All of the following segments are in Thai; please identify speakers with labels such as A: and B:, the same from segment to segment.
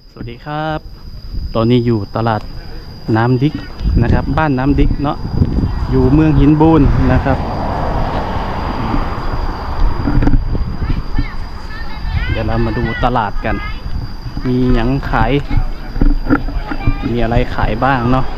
A: สวัสดีครับ ตอนนี้อยู่ตลาดน้ำดิกนะครับบ้านน้ำดิกเนาะอยู่เมืองหินบูนนะครับเดี๋ยวเรามาดูตลาดกันมีหยังขายมีอะไรขายบ้างเนาะ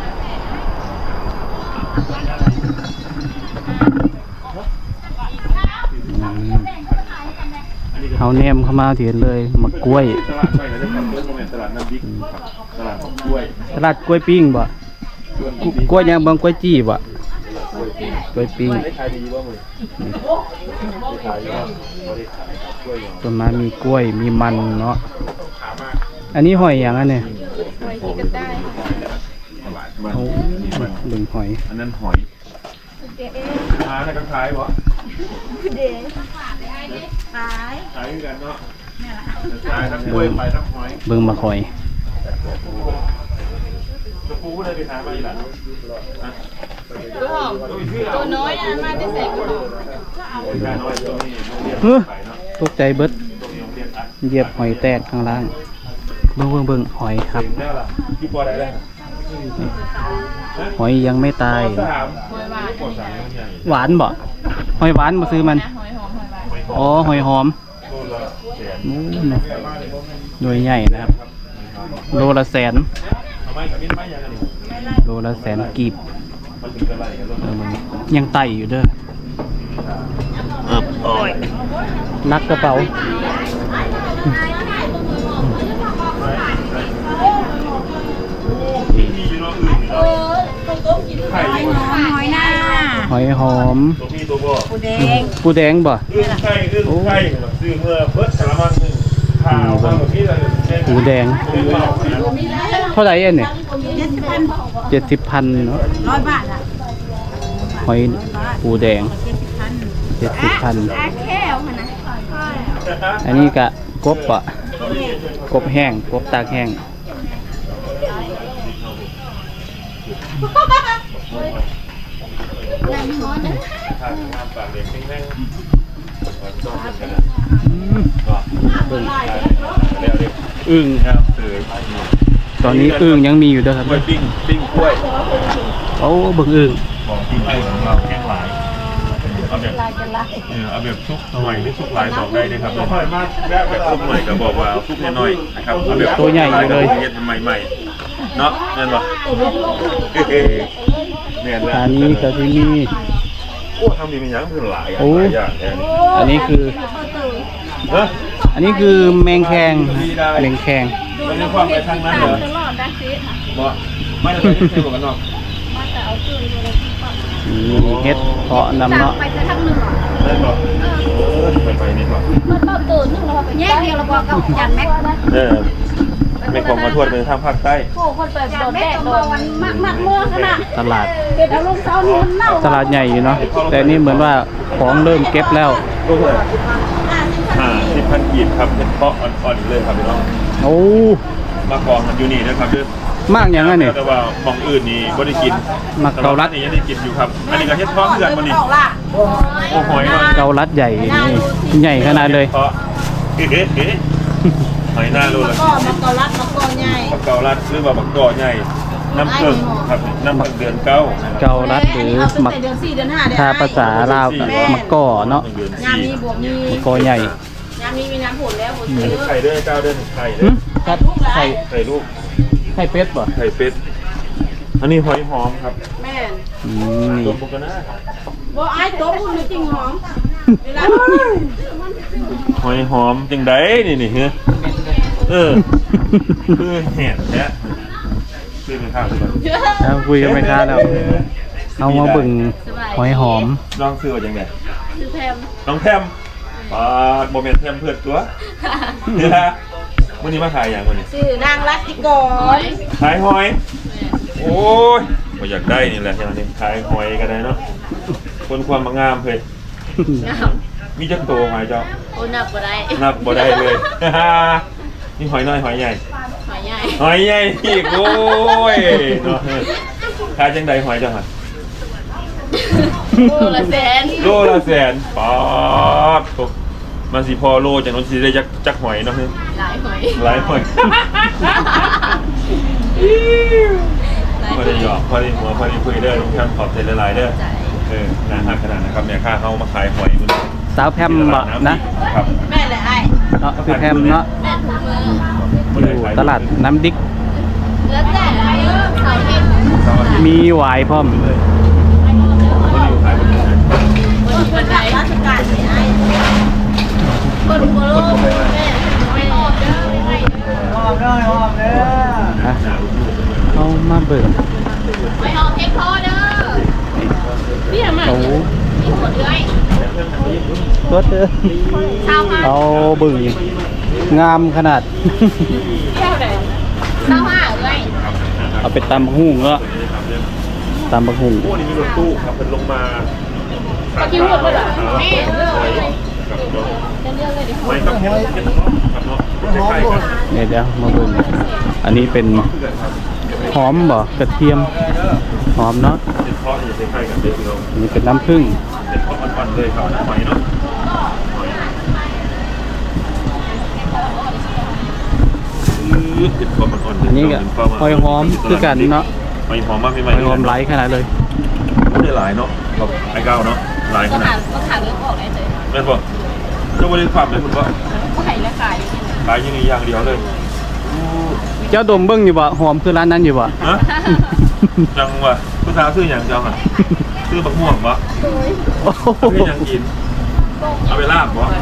A: เอาแนมเข้ามาเถียนเลยมะกล้วย
B: ตลาดน้ำดิกตลาดกล้วย
A: ตลาดกล้วยปิ้งบ่กล้วยยังบางกล้วยจี้บ่กล้วยปิ้งต้นไม้มีกล้วยมีมันเนาะอันนี้หอยอย่างอันเนี่ย
C: หอยที่ก็ได้
A: โอ้ดึงหอย
B: อันนั้นหอยมาในกระถายวะ
C: เด็กขาย
B: ขายกันเนาะขายทั้งกล้วยไปทั้งหอย
A: เบิ่งมาหอย
B: จะปูเลยไปหามาอีหลัง
C: ตัวน้อยนะมาได้ใส่กระบอก
A: ตกใจเบิดเหยียบหอยแตกข้างล่างเบิ่งหอยครับหอยยังไม่ตายหวานบ่หอยหวานมาซื้อมันอ๋อหอยหอมโดยใหญ่นะครับโลละแสนโลละแสนกีบยังไต่อยู่เด้อโอ้ยนักกระเป๋า
C: หอยหน้า
A: หอยหอม
C: ปูแดง
A: ปูแดงบ่
B: ไข่ซื้อเมื่อเพิ่มสารพัดข้าว
A: ปูแดงเท่าไหร่เอ็นเนี่ย70,000เนาะ
C: 100 บาทอ่ะ
A: หอยปูแดง70,000
C: แค่เอาค่ะนะ
A: อันนี้กะกบอ่ะกบแห้งกบตากแห้งอึ่งครับตอนนี้อึ่งยังมีอยู่ด้วยครับ
B: ปิ้งกล้วย
A: โอ้บึงอึ่ง
B: ของปิ้งไก่ของเราแข็งหลายเอาแบบซุกหน่อยหรือซุกหลายบอกได้เลยครับแบบซุกหน่อยก็บอกว่าซุกน้อยๆนะครับเอาแบบ
A: ตัวใหญ่เลย
B: เย็นใหม่ๆเนาะนั่นวะ
A: อันนี้ก็ที่มี
B: โอ้ทำดีเป็นอย่างเพื่อนหลายอย่าง
A: อันนี้คืออันนี้คือแมงแคงแมงแคง
B: มันมีความไปทางนั้นเหรอบ่ไม่ได้ไปเที่ยวกันเนาะ
A: เฮ็ดเพาะนำเนาะ
C: ไปทางเหนือ
B: ได้บ่ไปนี่บ่
C: มันตื่นนึงเราไปแยกเดียวเราบอกกับจันแม็ก
B: ไม่ของมาทวดเป็นทางภาคใต้
C: โอ้คนเปิดโดนแดดโดนมากเมื่อขนาด
A: ตลาด
C: เป็นอารมณ์เศร้านี่มันเน่า
A: ตลาดใหญ่อยู่เนาะแต่นี่เหมือนว่าของเริ่มเก็บแล้ว
B: 50,000 กีบครับเป็นเพาะอ่อนๆเลยครับพี่น้อง
A: โอ้
B: มากองกันอยู่นี่นะครับด้วย
A: มากอย่างนั้นนี่
B: แต่ว่าของอื่นนี่บ่ได้กิน
A: มักเกาลัด
B: นี่ยังได้กินอยู่ครับอันนี้ก็เฮ็ดท้องเดือนบ่นี่โอ้หอย
A: เกาลัดใหญ่นี่ใหญ่ขนาดเลย
B: หอยหน้าโลละ
C: มักเกาลัดมักกอใหญ่
B: มักเกาลัดหรือว่ามักกอใหญ่น้ำผึ้งครับน้ำผึ้งเดือน9
A: เกาลัดหรือมักถ้าภาษาลาวก็มักกอเนาะ
C: ยามมีบวกมี
A: มักกอใหญ่
C: ยามมีน้ำผลแล้วผล
B: ไข่ด้วย9 เดือนไข่ด้วยไข่ลูก
A: ไข่เป็ดป่ะ
B: ไข่เป็ดอันนี้หอยหอมครับ
C: แม่
B: ตัวปกติ
C: บ่ไอ้ตัวพูดจริงหอม
B: หอยหอมจังไดนี่เฮ้ยคือเห็ดแท้ซื้อเป็นข้าวก่อน
A: แล้วคุยกันไม่ค้าแล้วเอามาบึ่งหอยหอม
B: ลองซื้อว่าจังได
C: ซื้อแพม
B: น้องแพมโมเมนต์แพมเพื่อนตัวนี่ฮะวันนี้มาขายอย่างวันนี้
C: ซื้อนางรัตติกร
B: ขายหอยโอ้ยมาอยากได้นี่แหละอย่างนี้ขายหอยกันได้เนาะคนความงามเลยมีจักโตหอยเจ้า
C: โอ้นับบ่
B: ได้เลยนี่หอยน้อยหอยใหญ่หอยใหญ่อีกโอ้ยเนาะขายจังใดหอยเจ้าค่ะ
C: โลละแสน
B: ป๊าดมันสิพอโลจากนั้นสิได้จักหอยเนาะ
C: หลายหอย
B: หลายหอยพอได้หยอกพอได้หัวพอได้คุยเด้อลุงแคมขอบใจหลายๆเด้อนะฮะขนาดนะครับเนี่ยค่าเข้ามาขายหอยมึง
A: สาวแพมบ่นะครับ
C: แม่เลยไอ้
A: เนาะคือแพมเนาะ
C: แม่ถุงมือ
A: อยู่ตลาดน้ำดิก
C: แล้วแต่ไอ้เสาร์อาทิตย์
A: มีหวายพร้อม
C: คนไหนราชการเนี่ยไอ้คนโคโลแม่ไม่ออกเด้อไม่ออก
A: อ่ะเอามาเบิ่ง
C: ไม่ออกเอ็กโคเด้อเนี่ยมา
A: โอ้
C: มีหมดเลย
A: รถเด้อ
C: ชาวห้า
A: เอาเบิ่งงามขนาด
C: เที่ยวไหนชาวห้าเลย
A: เอาไปตำบักหุ่งแล้วตำบักหุ่ง
B: พวกนี้มีรถตู้ขับเป็นลงมา
C: ปกินหมดเลยเหรอแม่เลือกเลย
B: กับรถ
C: จะเลือกเลยดิ
B: ไม่ต้องเห็นกันครับเนาะใกล้ๆกัน
A: เดี๋ยวมาเบิ่งอันนี้เป็นหอมบ่กระเทียมหอมเนาะ
B: เป็นเพราะอยู่ใกล้ๆกันเด้อพี่น้อง
A: อันนี้เป็นน้ำผึ้ง
B: เป็นเพราะอ่อนๆเลยครับหอยเนาะเป็นเพราะอ่อนๆ
A: อันนี้ก็หอยหอมคือกันเนาะ
B: หอยหอมมากพี่ให
A: ห
B: ม่
A: อยหอมไหลขนาดเลย
B: ไม่ได้หลายเนาะกับไอ้เก้าเนาะหลายข
C: ต้อง
B: นา
C: หา
B: ด
C: ต้องหาเรื่องออกได้เลย
B: แม่นบ่เจ้าบริความเลยคุณว่า
C: ไข่และไก่
B: ขายยังไงอย่างเดียวเลย
A: เจ้าดมเบิ่งอยู่บ่หอมคือร้านนั้นอยู่บ่
B: ฮะจังวะผู้สาวซื้ออย่างเจ้าอ่ะซื้อบักม่วงบ่
A: โอ้โห
B: ซื้ออย่างกินเอาไปลาบบ่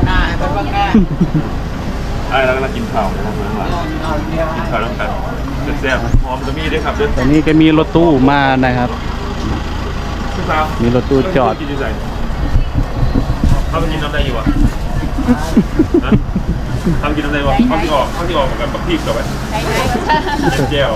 B: ไอ้แล้วก็กินข้าวนะครับเพื่อนหลานกินข้าวน้ำกันแซ่บๆหอมจะมีด้วยครับเด้อ
A: ตอนนี้ก็มีรถตู้มานะครับ
B: ผู้สาว
A: มีรถตู้จอด
B: กินที่ไหนเขาไปกินน้ำได้อยู่วะทำกินน้ำได้วะเขาที่ออกเหมือนกันปักพริกกับไป เทียนแก้ว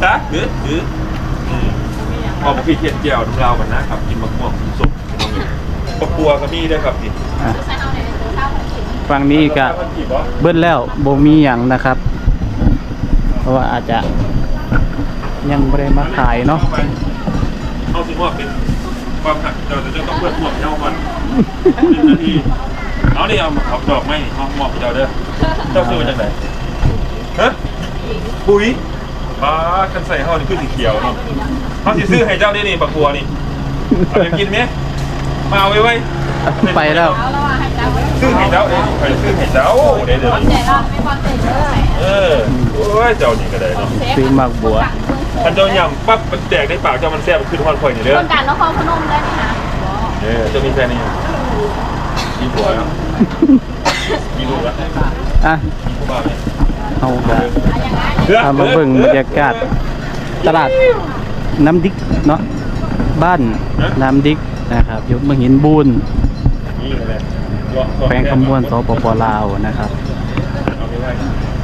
B: พอมาพี่เทียนแก้วน้ำลาวกันนะครับ กินมะม่วงสุกปะปัวก็มีด้วยครับพี่
A: อ่ะฝั่งนี้ก็เบิ้ลแล้วบ่มีหยังนะครับ เพราะว่าอาจจะยังไม่ได้มาขายเนาะ
B: เข้าสิมอบเป็นความหักเราจะต้องเพื่อนหมวกเย้ามัน1 นาทีเอาดิเอาดอกไม้เอาหมอบไปเจ้าเด้อเจ้าซื้อมาจากไหนฮะปุ๋ยป้าคันใส่ห่อนี่คือสีเขียวเนาะเขาสิซื้อให้เจ้าได้นี่ปะปัวนี่เอาไปกินไหมมาเอาไว้
A: ไปแล้ว
C: เอาแล้วว่าให้จ้าไว้
B: ซื้อให้เจ้าเองไปซื้อให้เจ้าเดี๋ยว
C: ความใจเราไม่ความใจเลย
B: โอ้ยเจ้านี่ก็ได้เนาะ
A: ซื้อหมากบัว
B: ท่านเจ้าย่ำปั๊บมันแตกในปากเจ้ามันแซ่บมันขึ้นฮอนคอยนี่เด้อ
C: คนการนครพนมได้ไหมคะ
B: เจ้ามีแฟนนี่มีผัวแล้วมีลูกแล้ว
A: อ่ะ
B: มีผู้บ่าวไหม
A: เอาก็เอามาเบิ่งบรรยากาศตลาดน้ำดิกเนาะบ้านน้ำดิกนะครับอยู่เมืองหินบูน
B: นี่แหละ
A: แขวงคำม่วนสปปลาวนะครับ
B: เอาไปไว้